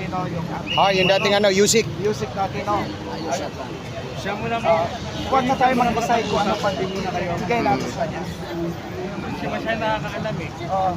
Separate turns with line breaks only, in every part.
no, yung ating...
Yung dating Yusik.
Music natin, no? Siya muna mo. Huwag na tayo mag-decide kung anong pandemya na kayo. Bigay natin sa kanya. Siya masyadong nakakaalam eh. Oo.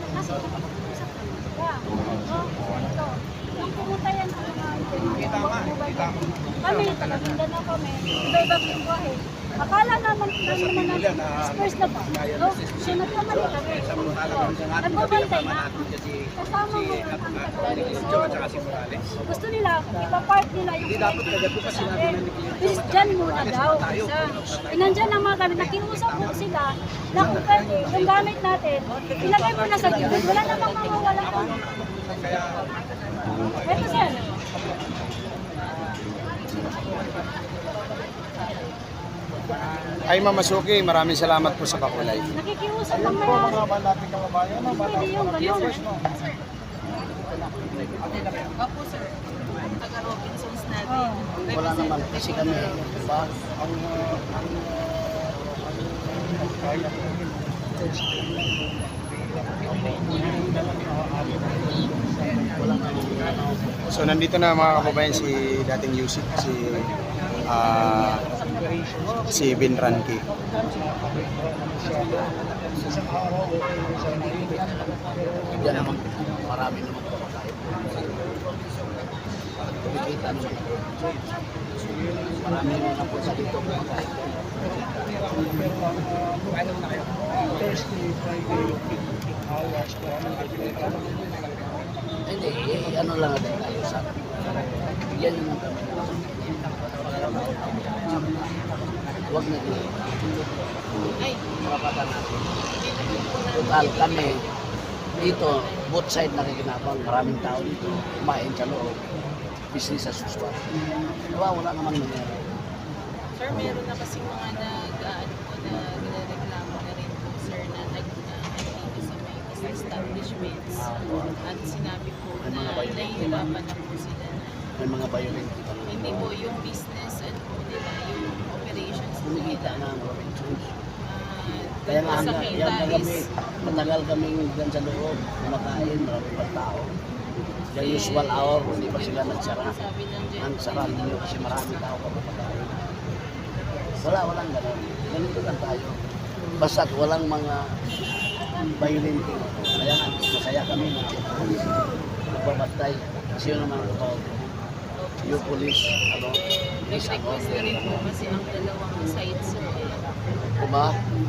Pumunta yan sa mga
Tama.
kami, taga-Mindanao kami, iba-ibang lingwahe. Akala naman first na ba? No? So nagkamali kami. Nagbabantay na. Kasama mo ang taga-Mindanao. Gusto nila, ipapart nila yung natin. Please, dyan muna daw. Isa. Nandyan ang mga gamit. Nakiusap mo sila na kung pwede, yung gamit natin, ilagay mo na sa gilid. Wala namang mawawala kung ito sir.
Ay Ma'am Masuki, maraming salamat po sa pakulay.
Nakikiusap
Ayun
lang
po
na
mga nating kababayan, no?
pwede yung ganun.
Opo sir, taga Robinsons natin.
Wala naman kasi kami, di ba?
So nandito na mga kababayan si dating Yusik, si Vin Ranque.
Yan naman, marami naman kumakain. Kumikita naman. Marami naman po sa dito kumakain.
Thursday, Friday, hours,
Hindi, ano lang natin tayo sa bigyan naman kami. Huwag na din.
Ay,
Marapatan natin. Total kami, dito, both side nakikinabang. Maraming tao dito, kumain sa loob. Business as usual. Wala naman nangyari.
sir, meron na kasi mga nagreklamo na rin po sir na nag-activity sa may business establishments. At sinabi po na nahihirapan na po sila na
May mga violent.
hindi po yung business at po nila yung operations
Kumikita na ang Robinsons.
Kaya
Kaya nga
sa
hanggang
kita
yan kami,
is
matagal kami dyan sa loob, kumakain, marami pa tao. The usual hour, hindi pa sila nagsara.
sabi ng
Ang sarap ninyo kasi marami tao pa kumakain. Walang ganun. Ganito lang tayo. Basta't walang mga violent. Kaya nga, masaya kami na nagbabatay. Kasi yun naman ito, yung police, police ako.
nag-request na rin po kasi ang dalawang sides sir.
Diba?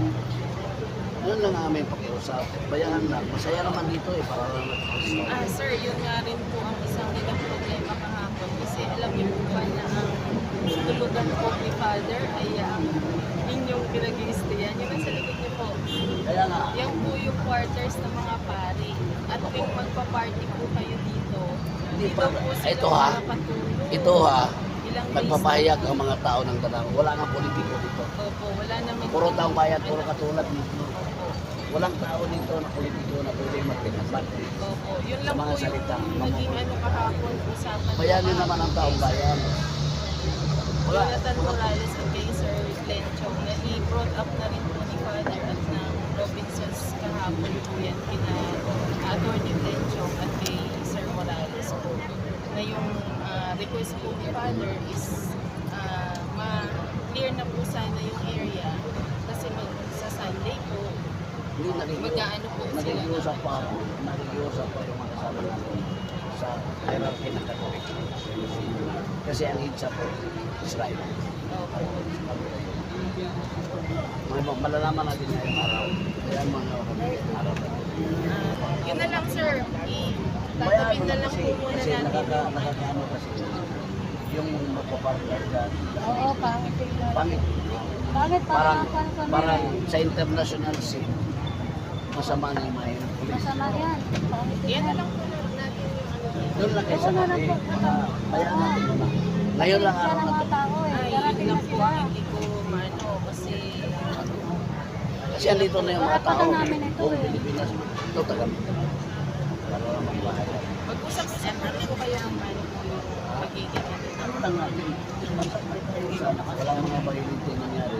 Yun lang namin pakiusap. Bayahan lang. Masaya naman dito para lang nag-house.
Sir, yun nga rin po ang isang nilang problema kahapon kasi alam niyo po ba na ang tulugan po ni Father ay ang inyong pinag-i-stayan. Yun ang sa likod niyo po.
Kaya nga,
Yan po yung quarters ng mga pari. At kung magpa-party po kayo dito,
Hindi
dito
pa-
po sila
ito ha,
makapatulog.
ito ha,
Ilang days
nagpapahayag ang mga tao ng Danang. Wala nga politiko dito.
Opo, wala naman.
Puro taong bayad, puro katulad dito.
Opo.
Walang tao dito na politiko na pwede magpinagpan.
Opo. Yun
Sa
lang
mga
po yung
salita.
naging kahapon usapan.
Bayanin naman ang taong bayan. Wala.
Jonathan Morales at kay Sir Glenn Chong na i-brought up na rin po ni Father at ng Robinsons kahapon po yan kina Atty. Glenn Chong at kay Sir Morales po na yung request po ni Father is ma-clear na po sana yung area kasi sa Sunday po
Hindi
mag-aano po sila.
nakikiusap pa ako. Nakikiusap pa yung mga kasama natin sa hierarchy ng Katolik. Kasi ang hitsa po, Israel.
Opo.
Malalaman natin ngayong araw. Kaya mga araw na.
Yun na lang sir, tatapin na lang po muna
kasi
natin.
nakakaano kasi yung magpapartner dyan.
Oo, pangit tingnan.
Pangit.
Bakit
Parang sa international scene, masama na yung mga pulis.
masama yan? Pangit
Yan na
tingnan.
lang po natin yung ano.
Doon lang kayo sa kape. Bayaan natin muna. Ngayon lang
Yan
araw
ang
na
mga
to.
tao eh.
Ay, yun
Darating na
lang po
sila.
ang hindi ko maano kasi
Kasi andito na yung mga tao.
Karapatan namin ito
Buong
eh.
Pilipinas. Ito taga para naman bahay.
mag-usap po sir, ano po kaya ang ano po yung magiging ano.
Ano lang natin? Wala mga violent yung nangyari.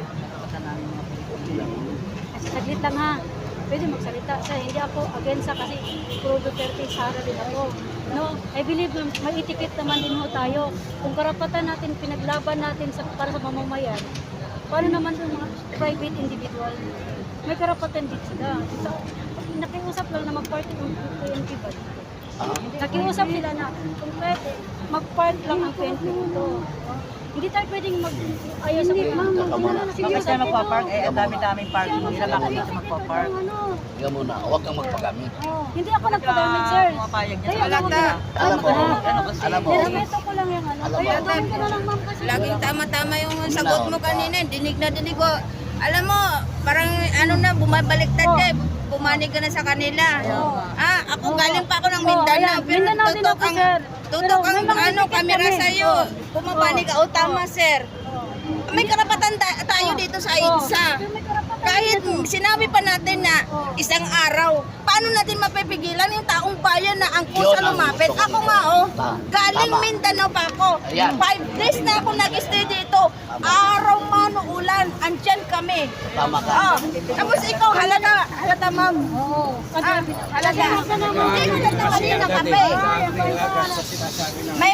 Kasi saglit lang ha. Pwede magsalita siya. Hindi ako against sa kasi puro Duterte Sara din ako. No, I believe na may etiquette naman din ho tayo. Kung karapatan natin, pinaglaban natin para sa mamamayan, paano naman yung mga private individual? May karapatan din sila. So, nakiusap lang na mag-party ng PNP ba dito? Nakiusap sila na kung pwede, mag-part lang ang PNP dito. Hindi tayo pwedeng ayaw sa PNP.
Bakit tayo magpapark? Eh, ang dami-daming parking. Sila lang ako magpapark.
Ikaw muna, huwag kang magpagamit.
Hindi ako nagpagamit, sir.
Pumapayag niya.
Kaya
Alam mo, alam mo,
nirespeto ko lang yung ano.
Alam mo,
Kaya gawin ko na lang, ma'am, kasi
Laging tama-tama yung sagot mo kanina. Dinig na dinig ko. Alam mo, parang ano na, bumabaliktad ka eh. Pumanig ka na sa kanila. Ako galing pa ako ng Mindanao.
ayan.
Pero
Mindanao din ako, sir.
tutok
Pero may
ang
mga
ano,
ticket
kamera
kami.
sa'yo. Pumapanig ka. O tama, sir. May karapatan tayo dito sa EDSA.
may karapatan
Kahit sinabi pa natin na isang araw, paano natin mapipigilan yung taong bayan na ang kusa
Yun ang
lumapit?
gusto ko.
Ako nga galing
Tama.
Mindanao pa ako.
Ayan.
5 days na ako nag-stay dito. Araw man o ulan, andyan kami.
tama ka.
Tapos ikaw, halata ma'am.
Oo.
Halata. Hindi ko dito kanina kape. May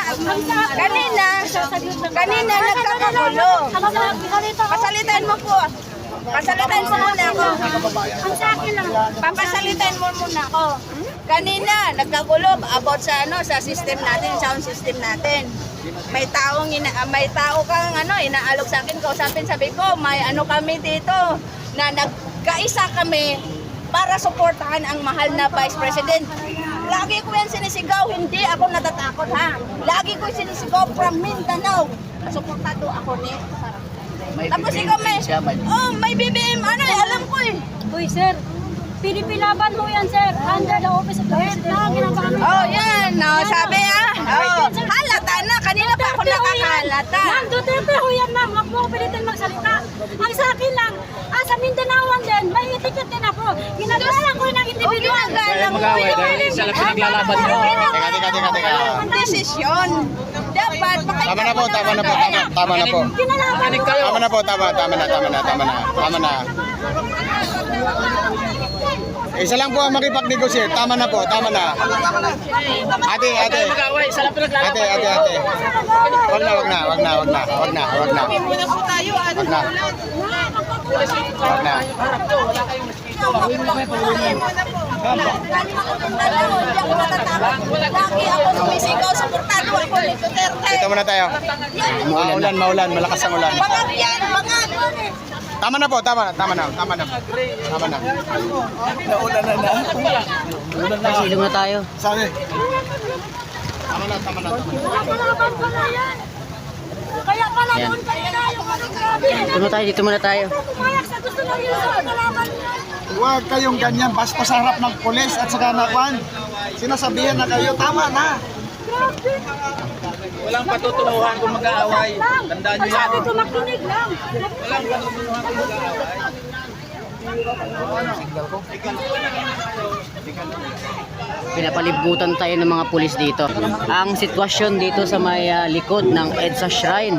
kanina nagkakagulo. Pasalitan mo po. Pasalitan mo muna ako.
Ang sa akin lang.
Papasalitan mo muna ako. Kanina, nagkagulo about sa sa system natin, sound system natin. May tao kang inaalok sa akin, kausapin, sabi ko, may kami dito na nagkaisa kami para suportahan ang mahal na Vice President. Lagi ko yan sinisigaw, hindi ako natatakot ha. Lagi ko sinisigaw from Mindanao. Suportado ako ni
May
Tapos
BBM
ikaw
din siya, may
may BBM, alam ko eh.
Uy, sir. PDP laban mo yan, sir. Under the office of the president. Ginagamit.
Oh, yan. Sabi halata na. Kanina pa ako nakakalata.
Ma'am, Duterte ho yan, ma'am. Huwag mo ko pilitin magsalita. Ang sa akin lang, sa Mindanaoan din, may etiquette din ako. Ginagalang ko ng individual.
Ginagalang mo
Isa lang pinaglalaban mo. Teka.
Ang desisyon. Dapat
Tama na po. Tama na po.
Kinalaban mo.
Tama na po. Tama na. Isa lang po ang makipag-negotiate. Tama na po. Ate. Ate. Wag na.
muna po tayo.
Wag na.
Lagi ako sumisigaw. Suportado ako ni Duterte.
Dito muna tayo. Maulan. Malakas ang ulan.
Bangag yan. Bangag.
Tama na.
Silong na tayo.
Sabi. Tama na.
Kinalaban ko na yan. Kaya pala doon kayo na yung grabe.
Dito muna tayo.
Pumayag sa gusto ng yun. Kinalaban yan.
Huwag kayong ganyan basta sa harap ng pulis at saka nakwan. Sinasabihan na kayo, tama na.
Walang patutunuhan kung mag-aaway. Tandaan nyo yan.
Sabi ko makinig lang.
Pinapalibutan tayo ng mga pulis dito. Ang sitwasyon dito sa may likod ng EDSA Shrine.